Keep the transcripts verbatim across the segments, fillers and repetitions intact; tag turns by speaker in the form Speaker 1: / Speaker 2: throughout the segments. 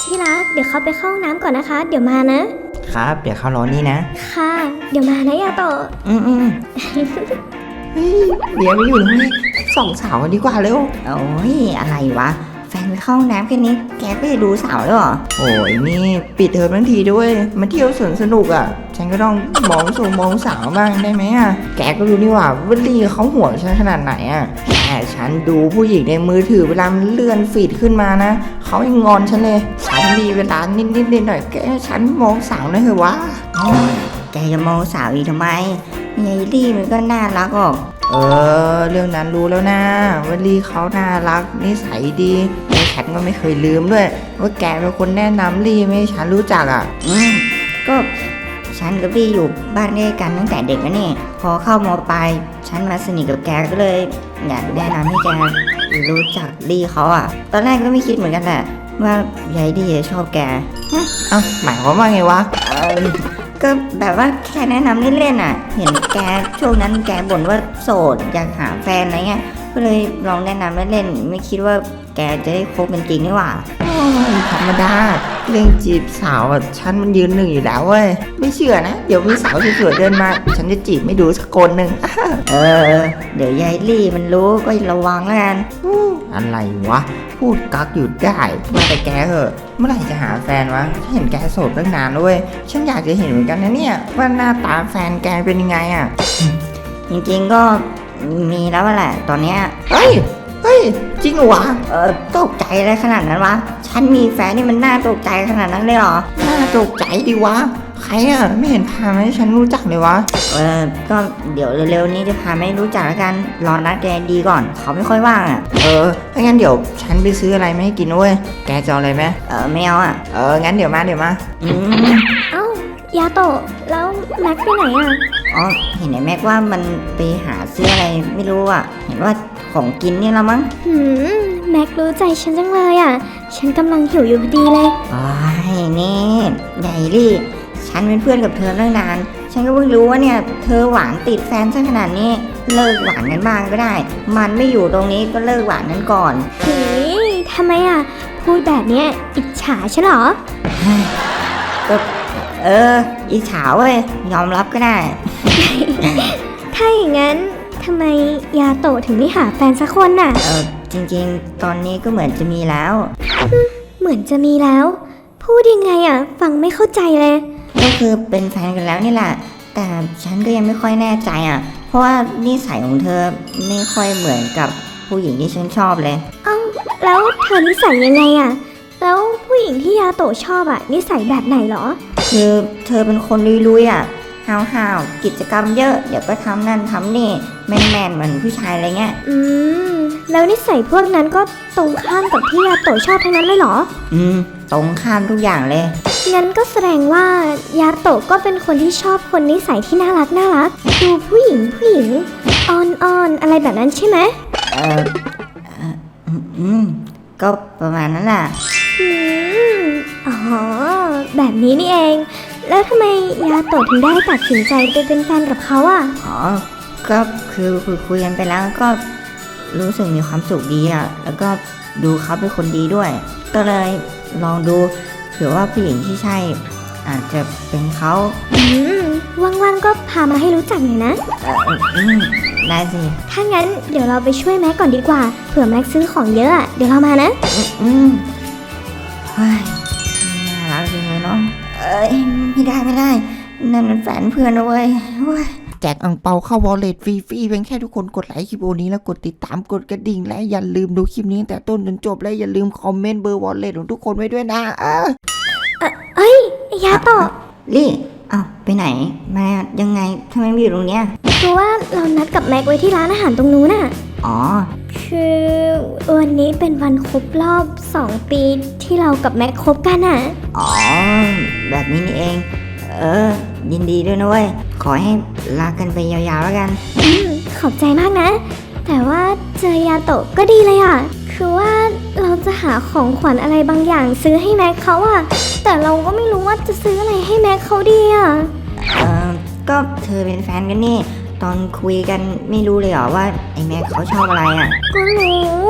Speaker 1: ที่รักเดี๋ยวเขาไปเข้าห้องน้ำก่อนนะคะเดี๋ยวมานะครับ
Speaker 2: เดี๋ยวเขารอนี่นะ
Speaker 1: ค่ะเดี๋ยวมานะยาโตะ
Speaker 2: อืมอืมเฮ้ยเดี๋ยวไม่อยู่ตรงนี้สองสาวกันดีกว่าเร็ว
Speaker 3: โอ้ยอะไรวะแฟนไปเข้าห้องน้ำแค่นี้แกก็จะดูสาวแล้วเหรอ
Speaker 2: โอ้ยนี่ปิดเทอมทั้งทีด้วยมาเที่ยวสวนสนุกอ่ะฉันก็ต้องมองสูงมองสาวบ้างได้ไหมอ่ะแกก็รู้นี่ว่าวันลีเขาห่วงฉันขนาดไหนอ่ะแต่ฉันดูผู้หญิงในมือถือเวลามันเลื่อนฟีดขึ้นมานะเขายังงอนฉันเลยฉันมีเวลานิดนิดนิดหน่อยแกฉันมองสาวได้เหรอวะ
Speaker 3: แกจะมองสาวอีกทำไมยายลี่มันก็น่ารักออก
Speaker 2: เออเรื่องนั้นรู้แล้วนะวันลีเขาน่ารักนิสัยดีแต่ฉันก็ไม่เคยลืมด้วยว่าแกเป็นคนแนะนำลี่ไม่ให้ฉันรู้จักอ่ะ
Speaker 3: อืมก็ฉันกับลี่อยู่บ้านด้วยกันตั้งแต่เด็กนะนี่พอเข้ามปลายฉันมาสนิทกับแกก็เลยอยากแนะนำให้แกรู้จักลี่เขาอ่ะตอนแรกก็ไม่คิดเหมือนกันแหละว่ายายลี่ชอบแก
Speaker 2: เอ้าหมายความว่าไงวะ
Speaker 3: เออก็แบบว่าแค่แนะนำเล่นๆอ่ะเห็นแกช่วงนั้นแกบ่นว่าโสดอยากหาแฟนอะไรเงี้ยก็เลยลองแนะนำเล่นๆไม่คิดว่าแกจะได้คบเป็นจริงนี่หว่า
Speaker 2: โอ้ยธรรมดาเรื่องจีบสาวอ่ะฉันมันยืนหนึ่งอยู่แล้วเว้ยไม่เชื่อนะเดี๋ยวมีสาวสวยๆเดินมาฉันจะจีบไม่ดูสักคนหนึ่ง
Speaker 3: เออเดี๋ยวยายลี่มันรู้ก็ระวังแล้วกัน
Speaker 2: อะไรวะพูดกักอยู่ได้มาแต่แกเหอะเมื่อไหร่จะหาแฟนวะฉันเห็นแกโสดตั้งนานด้วยฉันอยากจะเห็นเหมือนกันนะเนี่ยว่าหน้าตาแฟนแกเป็นยังไงอ่ะ
Speaker 3: จริงๆก็มีแล้วแหละตอนเนี้ย
Speaker 2: เฮ้ยเฮ้ยจริงเหรอวะ
Speaker 3: เออตกใจอะไรขนาดนั้นวะฉันมีแฟนนี่มันน่าตกใจขนาดนั้นเลยเหรอ
Speaker 2: น่าตกใจดิวะใครอ่ะไม่เห็นพามาให้ฉันรู้จักเลยวะ
Speaker 3: เออก็เดี๋ยวเร็วๆนี้จะพาไม่รู้จักแล้วกันรอนัดแกดีก่อนเขาไม่ค่อยว่างอ่ะ
Speaker 2: เออถ้างั้นเดี๋ยวฉันไปซื้ออะไรมาให้กินด้วยแกจะเอาอะไรไหม
Speaker 3: เออไม่เอาอ่ะ
Speaker 2: เอองั้นเดี๋ยวมาเดี๋ยวมา
Speaker 3: อืม
Speaker 1: เอ้ายาโตะแล้วแม็กไปไหนอ่ะ
Speaker 3: อ๋อเห็นไหมแม็กว่ามันไปหาซื้ออะไรไม่รู้อ่ะเห็นว่าของกินนี่ละมั้ง
Speaker 1: หืมแม็กรู้ใจฉันจังเลยอ่ะฉันกำลังหิวอยู่พอดีเลย
Speaker 3: อ๋อนี่ใหญ่ลี่ฉันเป็นเพื่อนกับเธอตั้งนานฉันก็เพิ่งรู้ว่าเนี่ยเธอหวานติดแฟนซะขนาดนี้เลิกหวานกันบ้างก็ได้มันไม่อยู่ตรงนี้ก็เลิกหวานกันก่อน
Speaker 1: เฮ้ยทำไมอ่ะพูดแบบเนี้ยอิจฉาใช่หรอ
Speaker 3: ก็เอออิจฉาเว้ยยอมรับก็ได้
Speaker 1: ถ้าอย่างนั้นทำไมยาโตะถึงไม่หาแฟนสักคนน่ะ
Speaker 3: เออจริงๆตอนนี้ก็เหมือนจะมีแล้ว
Speaker 1: เหมือนจะมีแล้วพูดยังไงอ่ะฟังไม่เข้าใจเลย
Speaker 3: ก็คือเป็นแฟนกันแล้วนี่แหละแต่ฉันก็ยังไม่ค่อยแน่ใจอ่ะเพราะว่านิสัยของเธอไม่ค่อยเหมือนกับผู้หญิงที่ฉันชอบเลย
Speaker 1: เอ้าแล้วเธอนิสัยยังไงอ่ะแล้วผู้หญิงที่ยาโตะชอบอ่ะนิสัยแบบไหนหรอ
Speaker 3: คือเธอเป็นคนลุยๆอ่ะห้าวๆกิจกรรมเยอะเดี๋ยวก็ทำนั่นทำนี่แมนๆเหมือนผู้ชายอะไรเงี้ย
Speaker 1: อืมแล้วนิสัยพวกนั้นก็ตรงข้ามกับที่ยาโตะชอบทั้งนั้นเลยเหรอ
Speaker 3: อืมตรงข้ามทุกอย่างเลย
Speaker 1: งั้นก็แสดงว่ายาโตะก็เป็นคนที่ชอบคนนิสัยที่น่ารักน่ารักดูผู้หญิงผู้หญิงอ่อนๆอะไรแบบนั้นใช่ไหม
Speaker 3: เอออืมก็ประมาณนั้นแหละ
Speaker 1: อืมอ๋อแบบนี้นี่เองแล้วทำไมยาโตะถึงได้ตัดสินใจไปเป็นแฟนกับเขาอ่ะ
Speaker 3: อ๋อก็คือคุยคุยกันไปแล้วก็รู้สึกมีความสุขดีอ่ะแล้วก็ดูเขาเป็นคนดีด้วยก็เลยลองดูเผื่อว่าผู้หญิงที่ใช่อาจจะเป็นเขา
Speaker 1: อืมว่างๆก็พามาให้รู้จักหน่อยนะ
Speaker 3: เอออืมได้สิ
Speaker 1: ถ้างั้นเดี๋ยวเราไปช่วยแม็กก่อนดีกว่าเผื่อแม็กซื้อของเยอะอ่ะเดี๋ยวเรามานะ
Speaker 3: อืมเฮ้ยน่ารักจริงเลยเนาะเอ้ยไม่ได้ไม่ได้นั่นมันแฟนเพื่อนนะเว้ย
Speaker 2: แจกอั่งเปาเข้าวอลเล็ตฟรีๆเพียงแค่ทุกคนกดไลค์คลิปนี้แล้วกดติดตามกดกระดิ่งและอย่าลืมดูคลิปนี้ตั้งแต่ต้นจนจบและอย่าลืมคอมเมนต์เบอร์วอลเล็ตของทุกคนไว้ด้วยนะเออ
Speaker 1: เอ้ยยาโตะ
Speaker 3: ลี่อ้าวไปไหนมายังไงทำไมไม่อยู่ตรงเนี้ย
Speaker 1: คือว่าเรานัดกับแม็กไว้ที่ร้านอาหารตรงนู้นน่ะ
Speaker 3: อ๋อ
Speaker 1: คือวันนี้เป็นวันครบรอบสองปีที่เรากับแม็กคบกันอ่ะ
Speaker 3: อ๋อแบบนี้นี่เองเออยินดีด้วยนะเว้ยขอให้รักกันไปยาวๆแล้วกัน
Speaker 1: อืมขอบใจมากนะแต่ว่าเจอยาโตะก็ดีเลยอ่ะคือว่าเราจะหาของขวัญอะไรบางอย่างซื้อให้แม็กเขาอ่ะแต่เราก็ไม่รู้ว่าจะซื้ออะไรให้แม็กเขาดีอ่ะ
Speaker 3: เออก็เธอเป็นแฟนกันนี่ตอนคุยกันไม่รู้เลยเหรอว่าไอ้แม็กเขาชอบอะไรอ่ะ
Speaker 1: ก็รู้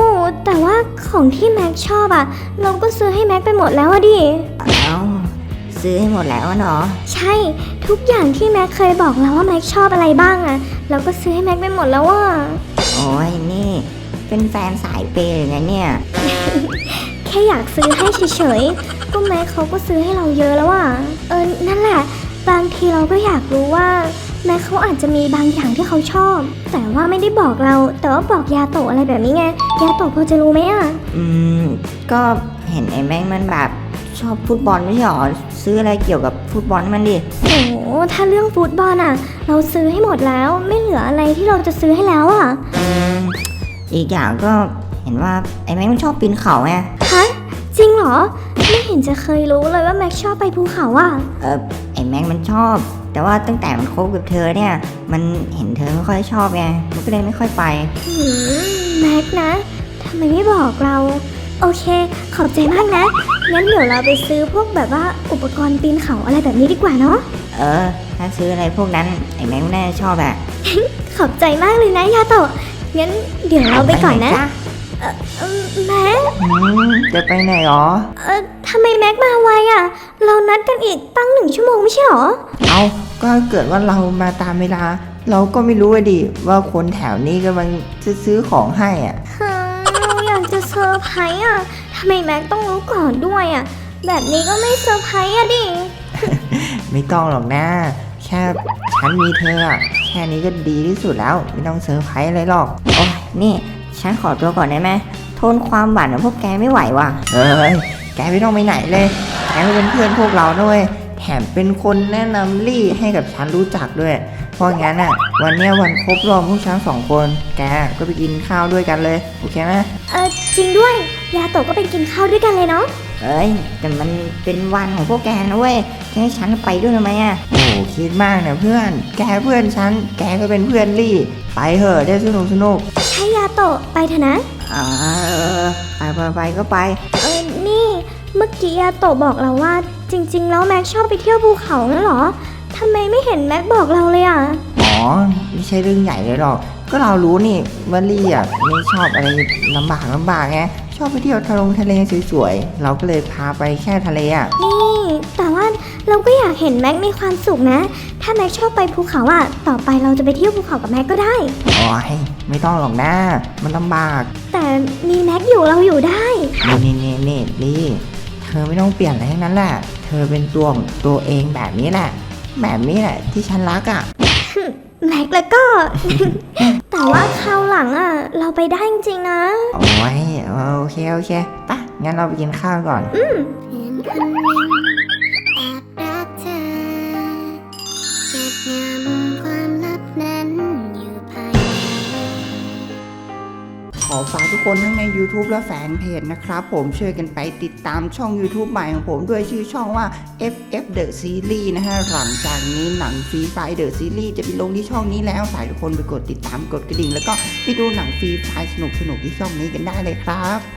Speaker 1: แต่ว่าของที่แม็กชอบอะเราก็ซื้อให้แม็กไปหมดแล้วอะดิ
Speaker 3: เอ้าซื้อให้หมดแล้วอะเนาะ
Speaker 1: ใช่ทุกอย่างที่แม็กเคยบอกเราว่าแม็กชอบอะไรบ้างอะเราก็ซื้อให้แม็กไปหมดแล้วว่า
Speaker 3: โอ้ยนี่เป็นแฟนสายเปย์เลยนะเนี่ย
Speaker 1: แค่อยากซื้อให้เฉยๆก็แม็กเขาก็ซื้อให้เราเยอะแล้วอะเออนั่นแหละบางทีเราก็อยากรู้ว่าแม็กเขาอาจจะมีบางอย่างที่เขาชอบ แต่ว่าไม่ได้บอกเราแต่ว่าบอกยาโตะอะไรแบบนี้ไงยาโตะพอจะรู้ไหมอะ
Speaker 3: อืมก็เห็นไอ้แม็กมันแบบชอบฟุตบอลไม่ใช่หรอซื้ออะไรเกี่ยวกับฟุตบอลให้มันดิ
Speaker 1: โอ้ถ้าเรื่องฟุตบอลอะเราซื้อให้หมดแล้วไม่เหลืออะไรที่เราจะซื้อให้แล้วอะ
Speaker 3: อืมอีกอย่างก็เห็นว่าไอ้แม็กมันชอบปีนเขาไง
Speaker 1: ฮะจริงเหรอไม่เห็นจะเคยรู้เลยว่าแม็กชอบไปภูเขาอะ
Speaker 3: เออไอ้แม็กมันชอบ แต่ว่าตั้งแต่มันคบกับเธอเนี่ย มันเห็นเธอไม่ค่อยชอบไงมันก็เลยไม่ค่อยไป
Speaker 1: หืมแม็กนะทำไมไม่บอกเรา โอเค ขอบใจมากนะ งั้นเดี๋ยวเราไปซื้อพวกแบบว่าอุปกรณ์ปีนเขาอะไรแบบนี้ดีกว่าเนาะ
Speaker 3: เออ ถ้าซื้ออะไรพวกนั้นไอ้แม็กมันน่าจะชอบอะ
Speaker 1: ขอบใจมากเลยนะยาโตะงั้นเดี๋ยวเราไปก่อนนะ
Speaker 3: จ้
Speaker 1: เอิ่มแม็ก
Speaker 2: อืมจะไปไหนหรอ
Speaker 1: เออทำไมแม็กมาไวอะเรานัดกันอีกตั้งหนึ่งชั่วโมงไม่ใช่หรอ
Speaker 2: เอาก็เกิดว่าเรามาตามเวลา เราก็ไม่รู้อะดิว่าคนแถวนี้กำลังจะซื้อของให้อ่ะ
Speaker 1: ฮึเราอยากจะเซอร์ไพรส์อะทำไมแม็กต้องรู้ก่อนด้วยอะแบบนี้ก็ไม่เซอร์ไพรส์อะดิ
Speaker 2: ไม่ต้องหรอกนะ แค่ฉันมีเธออะแค่นี้ก็ดีที่สุดแล้ว ไม่ต้องเซอร์ไพรส์อะไรหรอก
Speaker 3: โอ้ยนี่ฉันขอตัวก่อนได้ไหมทนความหวานของพวกแกไม่ไหวว่ะ
Speaker 2: เอ้ย แกไม่ต้องไปไหนเลย แกเป็นเพื่อนพวกเราด้วย แถมเป็นคนแนะนำลี่ให้กับฉันรู้จักด้วย เพราะงั้นอ่ะ วันเนี้ยวันครบรอบพวกฉันสองคน แกก็ไปกินข้าวด้วยกันเลย โอเคไหม
Speaker 1: เออจริงด้วย ยาโตะก็ไปกินข้าวด้วยกันเลยเนาะ
Speaker 3: เอ้ยแต่มันเป็นวันของพวกแกนะเว้ยจะให้ฉันไปด้วยทำไมอะ
Speaker 2: โอ้คิดมากนะเพื่อน แกเพื่อนฉัน แกก็เป็นเพื่อนลี่ ไปเถอะได้สนุกสนุก
Speaker 1: ใช่ยาโตะไปเถอะนะ
Speaker 3: อ่าเออไปไปไปก็ไป
Speaker 1: เออนี่เมื่อกี้ยาโตะบอกเราว่า จริง ๆ แล้วแม็กชอบไปเที่ยวภูเขานั่นเหรอทำไมไม่เห็นแม็กบอกเราเลยอ่ะ
Speaker 2: อ๋อ ไม่ใช่เรื่องใหญ่เลยหรอก ก็เรารู้นี่ว่าลี่อ่ะไม่ชอบอะไรลำบากลำบากไง ชอบไปเที่ยวทะลงทะเลสวยๆ เราก็เลยพาไปแค่ทะเลอ่ะ
Speaker 1: นี่แต่ว่าเราก็อยากเห็นแม็กมีความสุขนะ ถ้าแม็กชอบไปภูเขาอ่ะ ต่อไปเราจะไปเที่ยวภูเขากับแม็กก็ได้
Speaker 2: โอ้ยไม่ต้องหรอกนะ มันลำบาก
Speaker 1: แต่มีแม็กอยู่เราอยู่ได้
Speaker 2: นี่นี่นี่นี่ลี่ เธอไม่ต้องเปลี่ยนอะไรทั้งนั้นแหละ เธอเป็นตัวของตัวเองแบบนี้แหละ แบบนี้แหละที่ฉันรักอ่ะ
Speaker 1: แม็กแล้วก็ แต่ว่าคราวหลังอ่ะ เราไปได้จริงๆนะ
Speaker 2: โอ้ยโอเคโอเคไปะงั้นเราไปกินข้าวก่อน
Speaker 4: เพื่อนคนหนึ่งแอบรักเธอเก็บงำความลับนั้นอยู่ภายใน
Speaker 2: ขอฝากทุกคนทั้งใน YouTube และแฟนเพจนะครับผมช่วยกันไปติดตามช่อง YouTube ใหม่ของผมด้วยชื่อช่องว่า เอฟ เอฟ The Series นะฮะหลังจากนี้หนังฟรีไฟ The Series จะไปลงที่ช่องนี้แล้วฝากทุกคนไปกดติดตามกดกระดิ่ง แล้วก็ไปดูหนังฟรีไฟสนุกๆที่ช่องนี้กันได้เลยครับ